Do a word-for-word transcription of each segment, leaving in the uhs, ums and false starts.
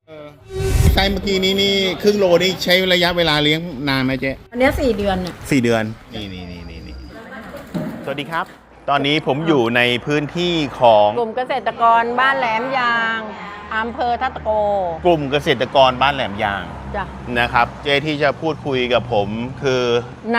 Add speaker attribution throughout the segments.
Speaker 1: ไส้เมื่อกี้นี้นี่ครึ่งโลนี่ใช้ระยะเวลาเลี้ยงนานไหมเจ๊
Speaker 2: อันนี้สี่เดือนน่ะ
Speaker 1: สี่เดือนนี่นี่นี่นี่นี่สวัสดีครับ ตอนนี้ผมอยู่ในพื้นที่ของ
Speaker 2: กลุ่มเกษตรกรบ้านแหลมยางอำเภอทัตตะโก
Speaker 1: กลุ่มเกษตรกรบ้านแหลมยาง
Speaker 2: จ้ะ
Speaker 1: นะครับ เจ๊ที่จะพูดคุยกับผมคือน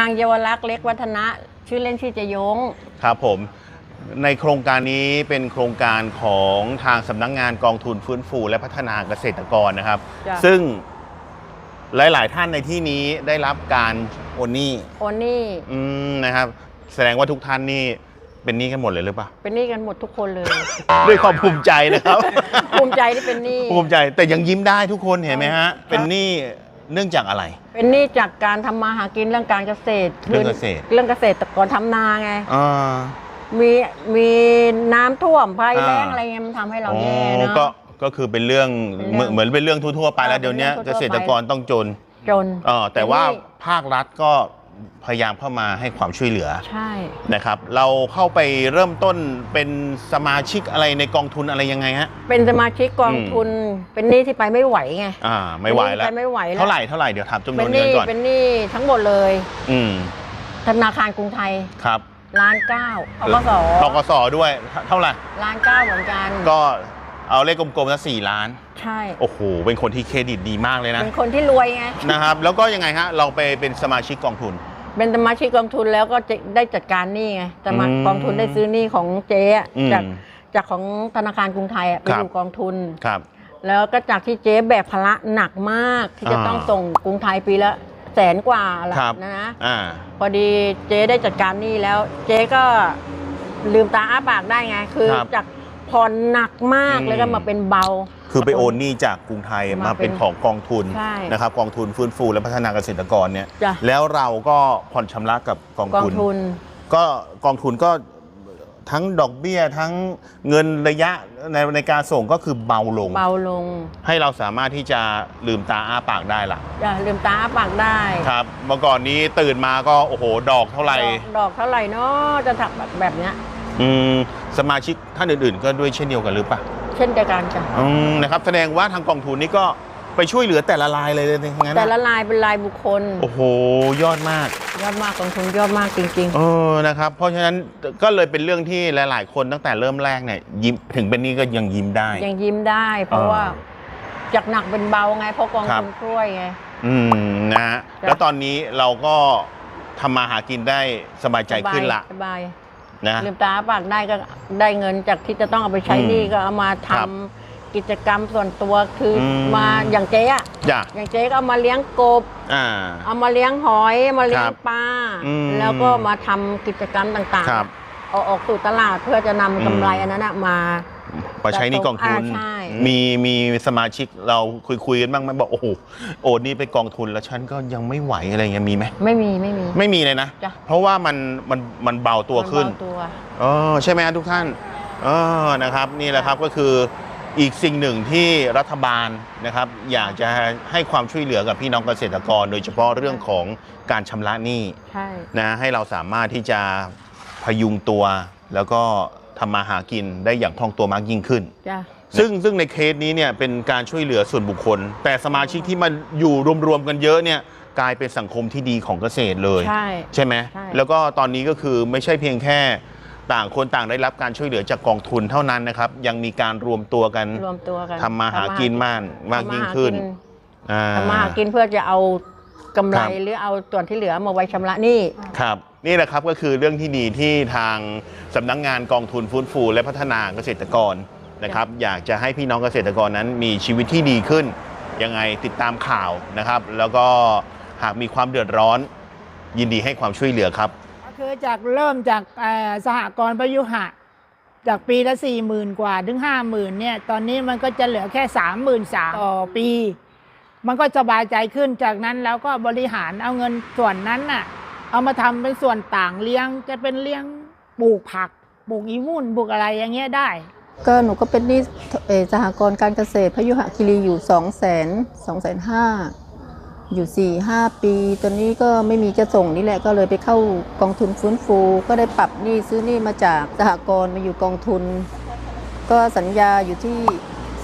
Speaker 2: างเยาวลักษณ์เล็กวัฒนะชื่อเล่นชื่อเจยง
Speaker 1: ครับผมในโครงการนี้เป็นโครงการของทางสำนักงานกองทุนฟื้นฟูและพัฒนาเกษตรกรนะครับ
Speaker 2: จ้ะ
Speaker 1: ซึ่งหลาย ๆ ท่านในที่นี้ได้รับการโอนหนี้
Speaker 2: โอนหนี่
Speaker 1: อืมนะครับ แสดงว่าทุกท่านนี่เป็นหนี้กันหมดเลยหรือเปล่า
Speaker 2: เป็นหนี้กันหมดทุกคนเลย
Speaker 1: ด้วยความภูมิใจนะครับ
Speaker 2: ภูมิใจที่เป็นหนี้
Speaker 1: ภูมิใจแต่ยังยิ้มได้ทุกคนเห็นไหมฮะ เป็นหนี้เนื่องจากอะไร
Speaker 2: เป็นหนี้จากการทำมาหากินเรื่องการเกษตร
Speaker 1: เรื่องเกษตร
Speaker 2: เรื่องเกษตรกรทำนาไง
Speaker 1: อ่า
Speaker 2: มีมีน้ำท่วมภัยแล้ง
Speaker 1: อ่า
Speaker 2: อะไรเงี้ยมันทำให้เรา
Speaker 1: อ๋อ
Speaker 2: แย่เนาะ
Speaker 1: ก็ก็คือเป็นเรื่อง
Speaker 2: เป็นเรื่อง
Speaker 1: เหมือนเหมือนเป็นเรื่องทั่วๆไปแล้ว
Speaker 2: เออ
Speaker 1: เดี๋ยวนี้
Speaker 2: เป็นเรื่
Speaker 1: เก
Speaker 2: องทั่วๆไป
Speaker 1: ษตรกรต้องจน
Speaker 2: จน
Speaker 1: เออแต่ว่า
Speaker 2: เป็นหนี้
Speaker 1: ภาครัฐก็พยายามเข้ามาให้ความช่วยเหลือ
Speaker 2: ใช่
Speaker 1: นะครับ เราเข้าไปเริ่มต้นเป็นสมาชิกอะไรในกองทุนอะไรยังไงฮะ
Speaker 2: เป็นสมาชิกกองทุน เป็นหนี้ที่ไปไม่ไหวไง
Speaker 1: อ่าไม่ไหวแล้ว
Speaker 2: เป็นหนี้ที่ไปไม่ไหวแล้ว
Speaker 1: เท่าไหร่เท่าไหร่เดี๋ยวถามจำน
Speaker 2: เป็
Speaker 1: วน
Speaker 2: นห
Speaker 1: เงิ
Speaker 2: นี้
Speaker 1: นก่อน
Speaker 2: เป็นหนี้ทั้งหมดเลย
Speaker 1: อืม
Speaker 2: ธนาคารกรุงไทย
Speaker 1: ครับ
Speaker 2: ล้านเก้าทกส
Speaker 1: ทกสด้วยเท่าไหร่
Speaker 2: ล้านเก้าเหมือนกัน
Speaker 1: ก็เอาเลขกลมๆนะสี่ล้าน
Speaker 2: ใช่
Speaker 1: โอ้โหเป็นคนที่เครดิตดีมากเลยนะ
Speaker 2: เป็นคนที่รวยไง
Speaker 1: นะครับ แล้วก็ยังไงฮะเราไปเป็นสมาชิกกองทุน
Speaker 2: เป็นสมาชิกกองทุนแล้วก็จะได้จัดการหนี้ไงสมา
Speaker 1: อืม
Speaker 2: กองทุนได้ซื้อหนี้ของเจ๊อะ
Speaker 1: อืม
Speaker 2: จากจากของธนาคารกรุงไทยอะไป
Speaker 1: ครับ
Speaker 2: อยู่กองทุน
Speaker 1: ครับ
Speaker 2: แล้วก็จากที่เจ๊แบกภาระหนักมาก ที่จะ
Speaker 1: อ่า
Speaker 2: ต้องส่งกรุงไทยปีละแสนกว่าละ
Speaker 1: ครับ
Speaker 2: นะนะ
Speaker 1: อ่า
Speaker 2: พอดีเจ๊ได้จัดการหนี้แล้ว เจ๊ก็ลืมตาอ้าปากได้ไง คือ
Speaker 1: ครับ
Speaker 2: จากผ่อนหนักมาก
Speaker 1: อืม
Speaker 2: แล้วก็มาเป็นเบา
Speaker 1: คือไปโอนหนี้จากกรุงไทย
Speaker 2: มา
Speaker 1: มา
Speaker 2: เป็
Speaker 1: เป็น
Speaker 2: น
Speaker 1: ของกองทุน
Speaker 2: ใช่
Speaker 1: นะครับกองทุนฟื้นฟูและพัฒนาเกษตรกรเนี่ย
Speaker 2: จ้ะ
Speaker 1: แล้วเราก็ผ่อนชำระกับกอง
Speaker 2: กอง
Speaker 1: ทุน
Speaker 2: ทุน
Speaker 1: ก็กองทุนก็ทั้งดอกเบี้ยทั้งเงินระยะในในการส่งก็คือเบาลง
Speaker 2: เบาลง
Speaker 1: ให้เราสามารถที่จะลืมตาอ้าปากได้ล่ะ
Speaker 2: อย่าลืมตาอ้าปากได้
Speaker 1: ครับเมื่อก่อนนี้ตื่นมาก็โอ้โหดอกเท่าไหร่
Speaker 2: ดอกดอกเท่าไหร่เนาะจะถักแบบแบบเนี้ย
Speaker 1: อืมสมาชิกท่านอื่นๆ ก็ด้วยเช่นเดียวกันหรือเปล่า
Speaker 2: เช่นเดียวกันจ้ะ
Speaker 1: อืมนะครับแสดงว่าทางกองทุนนี้ก็ไปช่วยเหลือแต่ละรายเลยเลยทั้งนั้น
Speaker 2: แต่
Speaker 1: นะ
Speaker 2: ละลายเป็นลายบุคคล
Speaker 1: โอ้โหยอดมาก
Speaker 2: ยอดมากกองทุนยอดมากจริง
Speaker 1: เออนะครับเพราะฉะนั้นก็เลยเป็นเรื่องที่หลาย ๆ คนตั้งแต่เริ่มแรกเนี่ยยิ้มถึงเป็นนี้ก็ยังยิ้มได้
Speaker 2: ๆ ยังยิ้มได้ เพราะ
Speaker 1: เออ
Speaker 2: ว่าจากหนักเป็นเบาไงเพราะกอง
Speaker 1: ครับ
Speaker 2: ทุนช่วยไง
Speaker 1: อืมนะฮะ
Speaker 2: จ้ะ
Speaker 1: แล้วตอนนี้เราก็ทำมาหากินได้สบายใจขึ้นละ
Speaker 2: สบาย
Speaker 1: นะ
Speaker 2: ลืมตาอ้าปากได้ก็ได้เงินจากที่จะต้องเอาไปใช้
Speaker 1: อืม
Speaker 2: หนี้ก็เอามาทำ
Speaker 1: ครับ
Speaker 2: กิจกรรมส่วนตัวคืออ
Speaker 1: ม
Speaker 2: มาอย่างเจ๊อะ
Speaker 1: จ้ะ
Speaker 2: อย่างเจ๊ก็เอามาเลี้ยงกบ
Speaker 1: อ่า
Speaker 2: เอามาเลี้ยงหอยมาเลี้ย
Speaker 1: ค
Speaker 2: ง
Speaker 1: รับ
Speaker 2: ปลา
Speaker 1: อืม
Speaker 2: แล้วก็มาทำกิจกรรมต่าง
Speaker 1: ครับ
Speaker 2: ๆเอาออกสู่ตลาดเพื่อจะนำกำไรอันนั้นน่ะมา
Speaker 1: มาใช้หนี่กองทุน
Speaker 2: อ่าใช่
Speaker 1: มีมีสมาชิกเราคุยคุยกันบ้างไหมบอกโอ้โหโอนนี่ไปกองทุนแล้วฉันก็ยังไม่ไหวอะไรเงี้ยมีไหม
Speaker 2: ไม่มีไม่มี
Speaker 1: ไม่มีเลยนะ
Speaker 2: จ้ะ
Speaker 1: เพราะว่ามันมันมันเบาตัวขึ้น
Speaker 2: มันเบาตัว
Speaker 1: เออใช่ไหมครับทุกท่านเออนะครับนี่แหละครับก็คืออีกสิ่งหนึ่งที่รัฐบาลนะครับอยากจะให้ความช่วยเหลือกับพี่น้องเกษตรกร โดยเฉพาะเรื่องของการชำระหนี้
Speaker 2: ใช่
Speaker 1: นะให้เราสามารถที่จะพยุงตัว แล้วก็ทำมาหากินได้อย่างคล่องตัวมากยิ่งขึ้น
Speaker 2: จ้ะ
Speaker 1: ซึ่งซึ่งในเคสนี้เนี่ยเป็นการช่วยเหลือส่วนบุคคล แต่สมาชิกที่มาอยู่รวมๆกันเยอะเนี่ยกลายเป็นสังคมที่ดีของเกษตรเลย
Speaker 2: ใช่
Speaker 1: ใช่ไหม
Speaker 2: ใช่
Speaker 1: แล้วก็ตอนนี้ก็คือไม่ใช่เพียงแค่ต่างคนต่างได้รับการช่วยเหลือจากกองทุนเท่านั้นนะครับยังมีการรวมตัวกัน
Speaker 2: รวมตัวกัน
Speaker 1: ทำมาหากินมากมากยิ่งขึ้นอ่า
Speaker 2: ทำมาหากินเพื่อจะเอากำไร
Speaker 1: ครับ
Speaker 2: หรือเอาส่วนที่เหลือมาไว้ชำระหนี้
Speaker 1: ครับนี่แหละครับก็คือเรื่องที่ดีที่ทางสำนักงานกองทุนฟื้นฟูและพัฒนาเกษตรกรนะครับอยากจะให้พี่น้องเกษตรกรนั้นมีชีวิตที่ดีขึ้นยังไงติดตามข่าวนะครับแล้วก็หากมีความเดือดร้อนยินดีให้ความช่วยเหลือครับ
Speaker 3: ก็คือจากเริ่มจากเอ่อสหกรณ์ประยุหะจากปีละสี่หมื่นกว่าถึงห้าหมื่นเนี่ยตอนนี้มันก็จะเหลือแค่สามหมื่นสามต่อปี มันก็สบายใจขึ้นจากนั้นแล้วก็บริหารเอาเงินส่วนนั้นน่ะเอามาทำเป็นส่วนต่างเลี้ยงจะเป็นเลี้ยงปลูกผักปลูกอีวุ่นปลูกอะไรอย่างเงี้ยได้
Speaker 4: ก็หนูก็เป็นหนี้เอ่อสหกรณ์การเกษตรพยุหคีรีอยู่สองแสนสองแสนห้าอยู่สี่ห้าปีตอนนี้ก็ไม่มีจะส่งนี่แหละก็เลยไปเข้ากองทุนฟื้นฟูก็ได้ปรับหนี้ซื้อหนี้มาจากสหกรณ์มาอยู่กองทุน ก็สัญญาอยู่ที่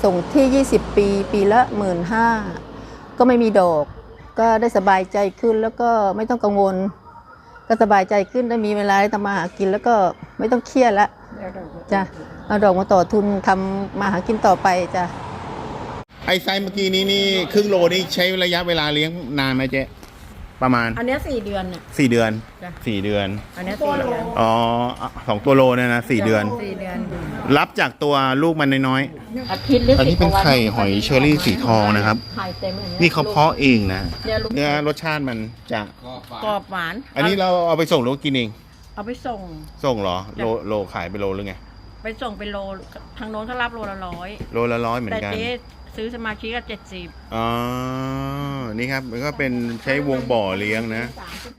Speaker 4: ส่งที่ยี่สิบปีปีละหมื่นห้าก็ไม่มีดอก ก็ได้สบายใจขึ้นแล้วก็ไม่ต้องกังวล ก็สบายใจขึ้นได้มีเวลาได้ทำมาหากินแล้วก็ไม่ต้องเครียดละจ้ะเอาดอกมาต่อทุนทำมาหากินต่อไปจ้ะ
Speaker 1: ไอ้ไซส์เมื่อกี้นี้นี่ครึ่งโลนี่ใช้ระยะเวลาเลี้ยงนานไหมเจ๊ประมาณ
Speaker 2: อันเนี้ยสี่เดือนเนี่ย
Speaker 1: สี่เดือน
Speaker 2: จ้ะ
Speaker 1: สี่เดือน
Speaker 2: อันเนี้ยสี่เดือน
Speaker 1: อ๋อสองตัวโลเนี่ยนะสี่เดือน
Speaker 2: สี่เดือน
Speaker 1: รับจากตัวลูกมันน้อย
Speaker 2: อาทิตย์หรือ
Speaker 1: ๆ อันนี้เป็น
Speaker 2: สิบกว่าวั
Speaker 1: ไข่หอยเชอรี่สีทองนะครับ
Speaker 2: ไข่เต็มอย่างเงี้ย
Speaker 1: นี่เขาเพาะเองนะ
Speaker 2: เนี่ยลูก
Speaker 1: เนื้อรสชาติมันจะ
Speaker 2: กรอบหวาน
Speaker 1: อันนี้เราเอาไปส่งหรือว่ากินเอง
Speaker 2: เอาไปส่ง
Speaker 1: ส่งเหรอ โลโลขายไปโลหรือไง
Speaker 2: ไปส่งเป็นโลทางโน้นเขารับโลละร้อย
Speaker 1: โลละร้อยเหมือ
Speaker 2: แต่
Speaker 1: นกัน
Speaker 2: เจ๊ซื้อสมาชิกก็เจ็ดสิบ
Speaker 1: อ๋อ นี่ครับ มันก็เป็นใช้วงบ่อเลี้ยงนะ